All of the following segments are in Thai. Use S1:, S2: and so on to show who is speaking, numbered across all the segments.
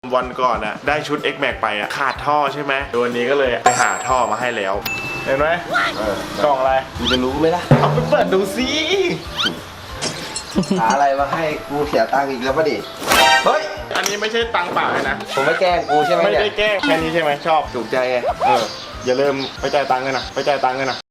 S1: วันก่อนอะได้ชุด X Max ไปอะขาดท่อใช่ไหมวันนี้ก็เลยไปหาท่อมาให้แล้วเห็นไหมกล่องอะไร
S2: กูจะรู้ไหมล่ะ
S1: เอาไปเปิดดูสิ
S2: หาอะไรมาให้กูเสียตังค์อีกแล้วป่ะดิเฮ้ย
S1: อันนี้ไม่ใช่ตังค์เปล่าเลยนะ
S2: ผมไม่แกล้งกูใช่ไหม
S1: ไม่
S2: เนี่ย
S1: ได้แกล้งแค่นี้ใช่ไหมชอบ
S2: ถูกใจไง
S1: อย่าลืมไปจ่ายตังค์กันนะไปจ่ายตังค์กันนะ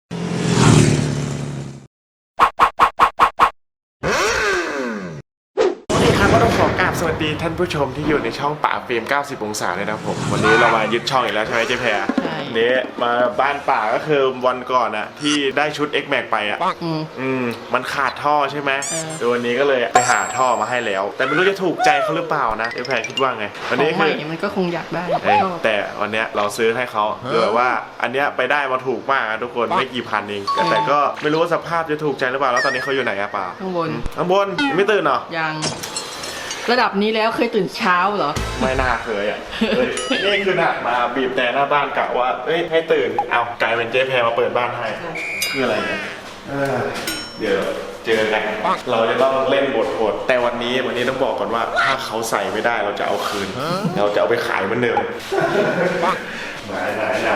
S1: ก็ต้องขอกราบสวัสดีท่านผู้ชมที่อยู่ในช่องป่าเฟรม90 องศาเลยนะผมวันนี้เรามายึดช่องอีกแล้วใช่ไหมเจ๊แพรนี้มาบ้านป่าก็คือวันก่อนอะที่ได้ชุด X Max ไปอะมันขาดท่อใช่ไหมวันนี้ก็เลยไปหาท่อมาให้แล้วแต่ไม่รู้จะถูกใจเขาหรือเปล่านะเจ๊แพรคิดว่าไง
S3: วันนี้คือมันก็คงอยากได้
S1: แต่วันนี้เราซื้อให้เขาคือแบบว่าอันเนี้ยไปได้มาถูกมากทุกคนไม่กี่พันเองแต่ก็ไม่รู้ว่าสภาพจะถูกใจหรือเปล่าแล้วตอนนี้เขาอยู่ไหนอะป่า
S3: ข้างบ
S1: นไม่ตื่นเหรอ
S3: ยังระดับนี้แล้วเคยตื่นเช้าเหรอ
S1: ไม่น่าเคยอ่ะนี่คือหนักมาบีบแต่หน้าบ้านกะว่าให้ตื่นเอากลายเป็นเจ๊แพรมาเปิดบ้านให้คืออะไรเนี่ยเดี๋ยวเจอกันเราจะต้องเล่นบทโหดแต่วันนี้ต้องบอกก่อนว่าถ้าเขาใส่ไม่ได้เราจะเอาคืนเราจะเอาไปขายเหมือนเดิมไหน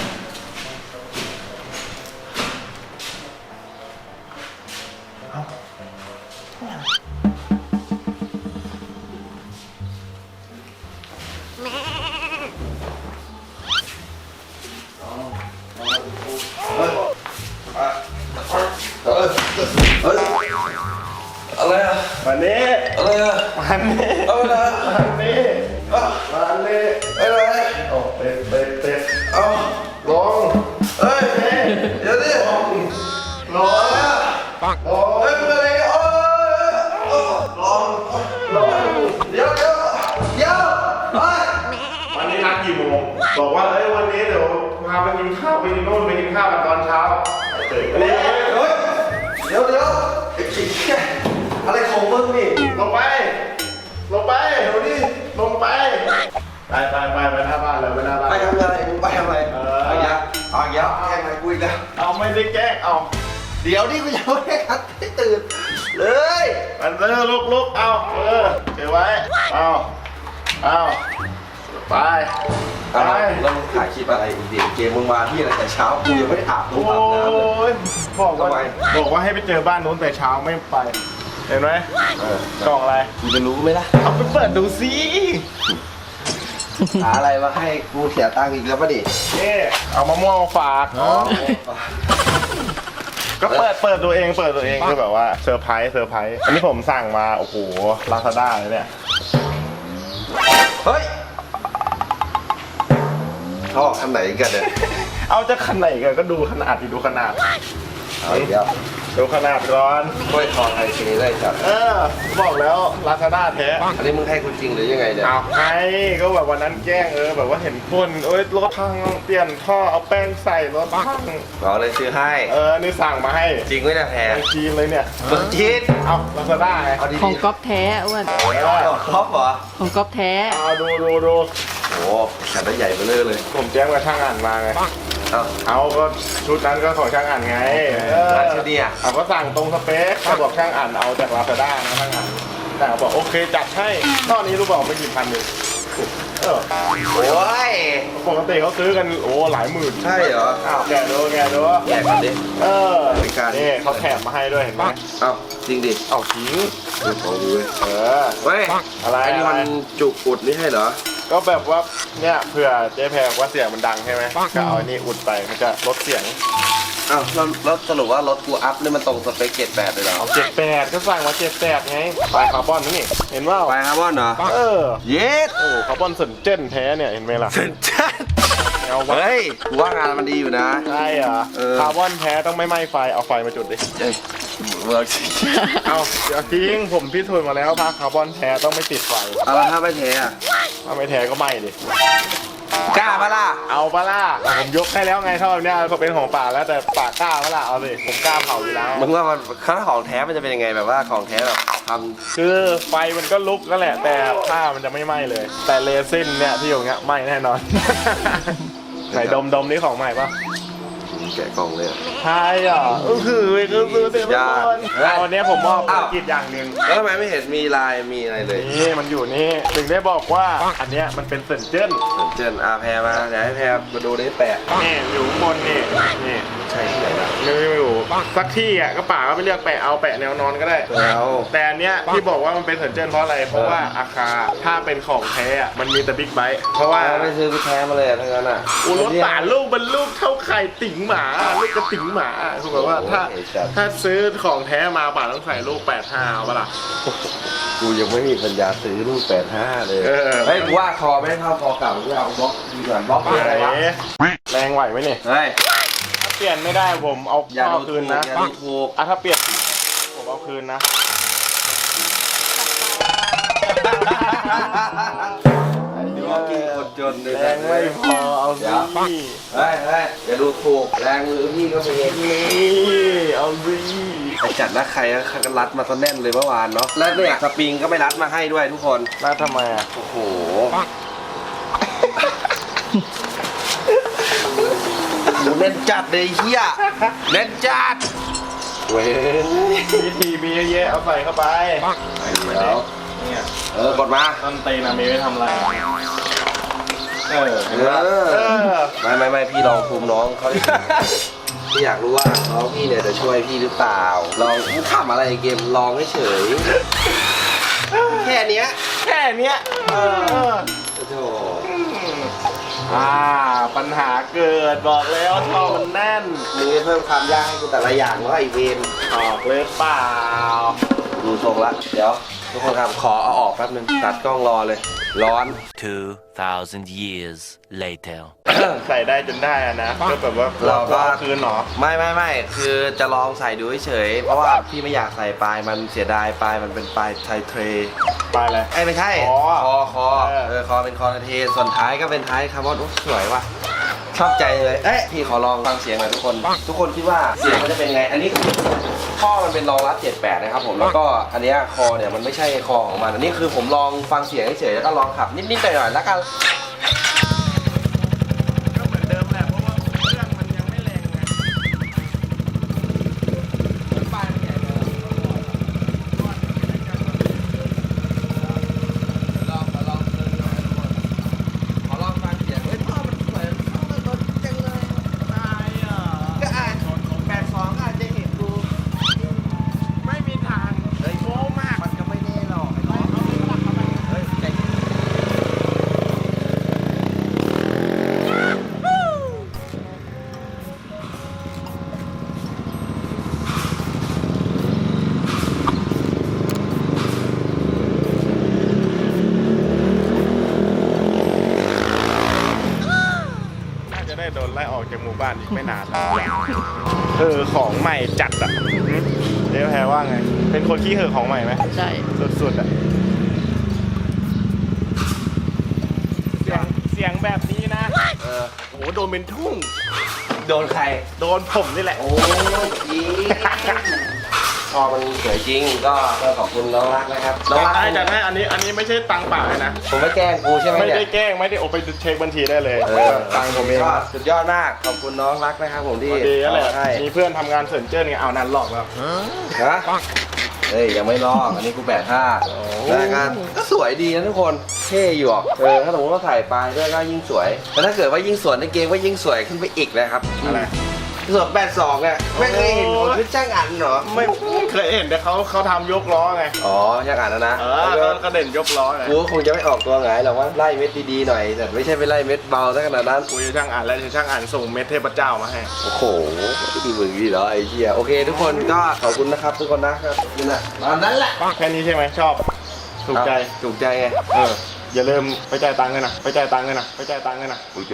S2: อะไรอ่ะ
S1: วันนี้
S2: อะไรอ่ะ
S1: วันนี้
S2: อะไร
S1: วันนี้
S2: อะไร
S1: โอ้เป็ด
S2: เอา
S1: ลง
S2: เฮ้ยเดี๋ยวดิ
S1: ลง
S2: เฮ้ยเป็นอะไรลงเดี๋ยว
S1: วันนี้นัดกี่โมงบอกว่าวันนี้เดี๋ยวพาไปกินข้าวไปกินโน่นไปกินข้าวกันตอนเช้า
S2: เดี๋ยวอะไรของมึงนี่
S1: ลงไปเดี๋ยวนี้ลงไปไปหน้าบ้านเลยไปหน้าบ้าน
S2: ไปทำอะไรมึงไปทำอะไรเอายักแกล้งอะไรกูอีกแล้ว
S1: เอาไม่ได้แกล้งเอา
S2: เดี๋ยวนี่กูยังไม่ได้คัดให้ตื่นเลย
S1: มันลุกเอาเก็บไว้เอาไป
S2: แล้วมึงถ่ายคลิปอะไรอีกดิเกมมึงมาที่อะไรแต่เช้ากูยังไม่ได้อาบน้ำเลย
S1: บอกว่าให้ไปเจอบ้านนู้นแต่เช้าไม่ไปเห็นไหมกล่องอะไร
S2: กูจะรู้ไหมล่ะ
S1: เอาไปเปิดดูสิ
S2: หาอะไรมาให้กูเสียตังค์อีกแล้วป่ะดิ
S1: นี่เอามะม่วงมาฝากก็เปิดตัวเองคือแบบว่าเซอร์ไพรส์อันนี้ผมสั่งมาโอ้โหลาซาด้าเลยเนี่ย
S2: เฮ้ยท่อขนาดไหนกันเนี่ย
S1: เอาจะขนาดไหนกันก็ดูขนาดดูขนาด
S2: เดี๋ยว
S1: ดูขนาดร้อน
S2: กล้วยทอดไทยเคได้จัด
S1: บอกแล้วลาซาด้าแท้
S2: อันนี้มึงให้คุณจริงหรือยังไงเนี่ย
S1: เอาให้ก็แบบวันนั้นแกล้งแบบว่าเห็นคนรถพังเปลี่ยนท่อเอาแป้งใส่รถพัง
S2: เราเลยซื้อให้
S1: นี่สั่งมาให้
S2: จริงไม่ได้แพ้
S1: จีนเลยเนี่ย
S2: จีน
S1: เอาลาซาด้าไง
S3: ของก๊อฟแท้อ้วน
S2: ก๊อฟเหรอ
S3: ของก๊อฟแท้
S1: ดู
S2: โอ้ขันได้ใหญ่ไปเลย
S1: ผมแจ้งกับช่างอ่านมาไงเอาก็ชุดนั้นก็ของช่างอ่านไง
S2: ชุดนี้
S1: เอาก็สั่งตรงสเปคเขาบอกช่างอ่านเอาจากลาซาด้านะช่างอ่านแต่บอกโอเคจัดให้ตอนนี้รู้เปล่าไม่กี่พันเลย
S2: โอ้ย
S1: ปกติเขาซื้อกันหลายหมื่น
S2: ใช่เหรอ
S1: แกดู
S2: แกกันดิ
S1: นี่เขาแถมมาให้ด้วยเห็นไหม
S2: จริงดิ
S1: จริง
S2: ของดู
S1: เฮ้ยอะไร
S2: ไอ้นี่มันจุกอุดนี่ให้เหรอ
S1: ก็แบบว่าเนี่ยเผื่อเจ๊แพรว่าเสียงมันดังใช่ไหมก็เอาอันนี้อุดไปมันจะลดเสียง
S2: แล้วสรุปว่ารถกูอัพนี่มันตรงสเปค78เลยเหรอ
S1: 78ก็สั่งมา78ไงปลายคาร์บอนนี่เห็นว่า
S2: ปลายคาร์บอนเหรอเย็ด
S1: คาร์บอนเซนเจนแท้เนี่ยเห็นไหมล่ะ
S2: เซนเจนเฮ้ยกูว่างานมันดีอยู่นะ
S1: ใช่เหรอคาร์บอนแท้ต้องไม่ไหม้ไฟเอาไฟมาจุดดิเอาเดี๋ยวทิ้งผมพิสูจน์มาแล้วถ้าคาร์บอนแท้ต้องไม่ติดไฟ
S2: แล้วถ้าไม่แท้
S1: ถ้าไม่แท้ก็ไหม้ดิ
S2: กล้าปะล่ะ
S1: เอาปะล่ะผมยกให้แล้วไงเท่านี้เขาเป็นของป่าแล้วแต่ป่ากล้าปะล่ะเอาสิผมกล้าเผาอยู่แล้ว
S2: มึงว่ามันถ้าของแท้มันจะเป็นยังไงแบบว่าของแท้แบบทำ
S1: คือไฟมันก็ลุกนั่นแหละแต่ผ้ามันจะไม่ไหม้เลยแต่เรซินเนี่ยที่อยู่เงี้ยไหม้แน่นอนไหนดมนี่ของใหม่ปะ
S2: แกะกล่องเลย
S1: ใช่เหรอคือซื้อเต็มไปหมดวันนี้ผมมอบภารกิจอย่างหนึ่ง
S2: แล้วทำไมไม่เห็นมีลายมีอะไรเลย
S1: นี่มันอยู่นี่ถึงได้บอกว่าอันเนี้ยมันเป็นเซนเจิ้น
S2: เจนอาแพรมาเดี๋ยวให้แพรมาดูได้แปะ
S1: นี่อยู่ข้างบนนี่นี่
S2: ใช่ที่ไหนล่ะ
S1: ไม่อยู่สักที่อ่ะก็ป่าก็ไปเลือกแปะเอาแปะแนวนอนก็ได้
S2: แล้ว
S1: แต่อันเนี้ยที่บอกว่ามันเป็นเซนเจิ้นเพราะอะไรเพราะว่าอาคาถ้าเป็นของแท้อะมันมีแต่บิ๊กไบค์เพราะว่า
S2: ไม่ซื้อไปแท้มาเลยทั้งนั้นอ่ะ
S1: อุรถป่าลูกมันลูกเท่าไข่ติ๋งหมาลูกกระติ๋งหมาคือแบบว่าถ้าซื้อของแท้มาป่าต้องใส่ลูก85เอาปะล่ะ
S2: กูยังไม่มีปัญญาซื้อลูก85เลย
S1: เออ
S2: เฮ้ยกูว่าคอไม่เท่าคอเก่ากูเอาบล็อกดีกว่าบล็อกอะไรวะ
S1: แรงไหวไหมเนี่ย
S2: เฮ้ย
S1: ถ้าเปลี่ยนไม่ได้ผมเอา
S2: อย่า
S1: เอา
S2: ดู
S1: คื
S2: ถู
S1: น
S2: ก
S1: นะ
S2: อย่าดูถูก
S1: ถ้าเปลี่ยนผมเอาคืนนะ
S2: ดูว่ากินคนจนเลย
S1: แรงไม่พอเอาสิ
S2: เฮ้ยอย่าดูถูกแรงมือพี่ก็มี
S1: นี่เอาสิ
S2: ไปจัดนะใครก็รัดมาซะแน่นเลยเมื่อวานเนาะแล้วเนี่ยสปริงก็ไม่รัดมาให้ด้วยทุกคน
S1: มาทำไมอ่ะ
S2: โอ้โหเล่นจัดเลยเฮียเล่นจัดเว้ย
S1: วิธีมีเยอะแยะเอาใส่เข้าไป
S2: เดี๋ยว
S1: เนี่ย
S2: กดมา
S1: ต้นตีนอะมีไว้ทำอะไรเออ
S2: ไม่พี่ลองภูมิน้องเขาดิพี่อยากรู้ว่าน้องพี่เนี่ยจะช่วยพี่หรือเปล่าลองทำอะไรเกมลองเฉยแค่เนี้ย
S1: แค่เนี้ยเออ
S2: โอ้โห
S1: ปัญหาเกิดบอกแล้วท่อมันแน่น
S2: มึงจะเพิ่มความยากให้กูแต่ละอย่างว่าไอเวน
S1: ออกเลยเปล่า
S2: ดูทรงละเดี๋ยวทุกคนครับขอเอาออกแป๊บนึงตัดกล้องรอเลยร้อน
S4: 2,000 years later.
S1: ใส่ได้จนได้อะนะก็แบบว่า
S2: เราก็
S1: อคืนหรอ
S2: ไม่คือจะลองใส่ดูเฉยๆเพราะว่าพี่ไม่อยากใส่ปลายมันเสียดายปลายมันเป็นปลายไทเทร
S1: ไปเลย
S2: ไม่ใช่
S1: คอ
S2: คอคอเป็นคอเทนส่วนท้ายก็เป็นท้ายคาร์บอนโอ้สวยว่ะชอบใจเลยพี่ขอลองฟังเสียงหน่อยทุกคนคิดว่าเสียงมันจะเป็นไงอันนี้ข้อมันเป็นรองรับ78นะครับผมแล้วก็อันเนี้ยคอเนี่ยมันไม่ใช่คอของมันอันนี้คือผมลองฟังเสียงเฉยๆแล้วก็ลองขับนิดๆหน่อยๆแล้วกัน
S1: ก็เหมือนเดิมแหละเพราะว่าเครื่องมันยังไม่แรงไง
S2: ขอลองฟังเสียงพ่อมันสวยพ่อมันรถจังเลย
S1: ตายอ่ะ
S2: ก็อาจ82อาจจะเห็นดู
S1: ไม่มีทางโค้งมาก
S2: มันก็ไม่แน่หรอกเฮ้ยใจ
S1: น่าจะได้โดนไล่ออกจากหมู่บ้านอีกไม่นานแล้วของใหม่จัดอ่ะเดี๋ยวแพรว่าไง เป็นคนขี้เห่อะของใหม่ไหม
S3: ใช่
S1: สุดๆอ่ะเสียงแบบนี้นะ โอ้โหโดนเป็นทุ่ง
S2: โดนใคร
S1: โดนผมนี่แหละ
S2: โอ้ยจริงพอมันสวยจริงก็ขอบคุณน้องรักนะครับน้องรัก
S1: จัดให้อันนี้ไม่ใช่ตังค์เปล่าเลยนะ
S2: ผมไม่แกล้งกูใช่ไหม
S1: ไม่
S2: เนี่ย
S1: ได้แกล้งไม่ได้โอาไปเช็คบัญชีได้เลยตังค์ผมเอง
S2: ก็สุดยอดมากขอบคุณน้องรักนะครับผมที่
S1: พอดีนั่นแหละ
S2: ให้
S1: มีเพื่อนทำงานเสริมเจิ้นไงเอานั้นหลอกแล้ว
S2: ฮะเฮ้ยยังไม่ลอกอันนี้กู85แล้วก็สวยดีนะทุกคนเท่อยู่อ่ะถ้าสมมติว่าใส่ไปด้วยก็ยิ่งสวยแต่ถ้าเกิดว่ายิ่งสวยในเกมก็ยิ่งสวยขึ้นไปอีกนะครับ
S1: อะไร
S2: ส่วน82เนี่ยไม่เคยเห็นคนชุดช่างอันเหรอ
S1: ไม่เคยเห็นแต่เขาทำยกล้อไง
S2: อ๋อช่างอันนะ
S1: ก็เด่นยกล้อไง
S2: กูคงจะไม่ออกตัวไงหรอกว่าไล่เม็ดดีๆหน่อยแต่ไม่ใช่ไปไล่เม็ดเบาซะขนาดนั้น
S1: กูจะช่างอ่านแล้วจะช่างอ่านส่งเม็ดเทพเจ้ามาให้
S2: โอ้โหดีมึงดีเหรอไอ้เหี้ยโอเคทุกคนก็ขอบคุณนะครับทุกคนนะครับนี่แหละตอนนั้นแหละ
S1: แค่นี้ใช่ไหมชอบถูกใจ
S2: ถูกใจไง
S1: อย่าลืมไปจ่ายตังค์กันนะไปจ่ายตังค์กันนะไปจ่ายตังค์กันนะ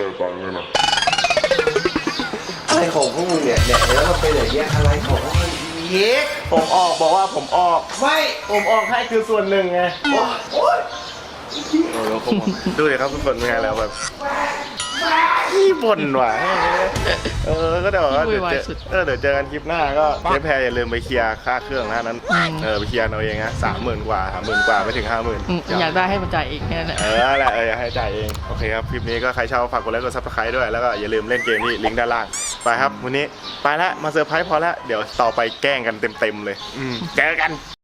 S2: อะไรของพวกมึงเนี่ยแล้วมันเป็นอย่างเงี้ยอะไรของพวกมึงเย็ก
S1: ผมออกบอกว่าผมออก
S2: ไม่
S1: ผมออกให้คือส่วนหนึ่งไง
S2: โอ๊ย
S1: ดูดิครับทุกคนเป็นไงแล้วแบบ
S2: ไม่
S1: ขี้บ่นว่ะก็เดี๋ยวว่า
S3: ขี้วุ่นวายสุด
S1: เดี๋ยวเจอกันคลิปหน้าก็เจ๊แพรอย่าลืมไปเคลียร์ค่าเครื่องนะนั้นไปเคลียร์เอาเองนะ30,000 กว่า30,000 กว่าไม่ถึง 50,000
S3: อยากได้ให้มันจ่ายเองแค่นั้นแหละ
S1: แหละอยากให้จ่ายเองโอเคครับคลิปนี้ก็ใครชอบฝากกดไลค์กดซับสไครต์ด้วยแล้วก็อย่าลืมเล่นเกมที่ลิงก์ด้านล่างไปครับวันนี้ไปละมาเซอร์ไพรส์พอละเดี๋ยวต่อไปแกล้งกันเต็มๆเลยเจอกัน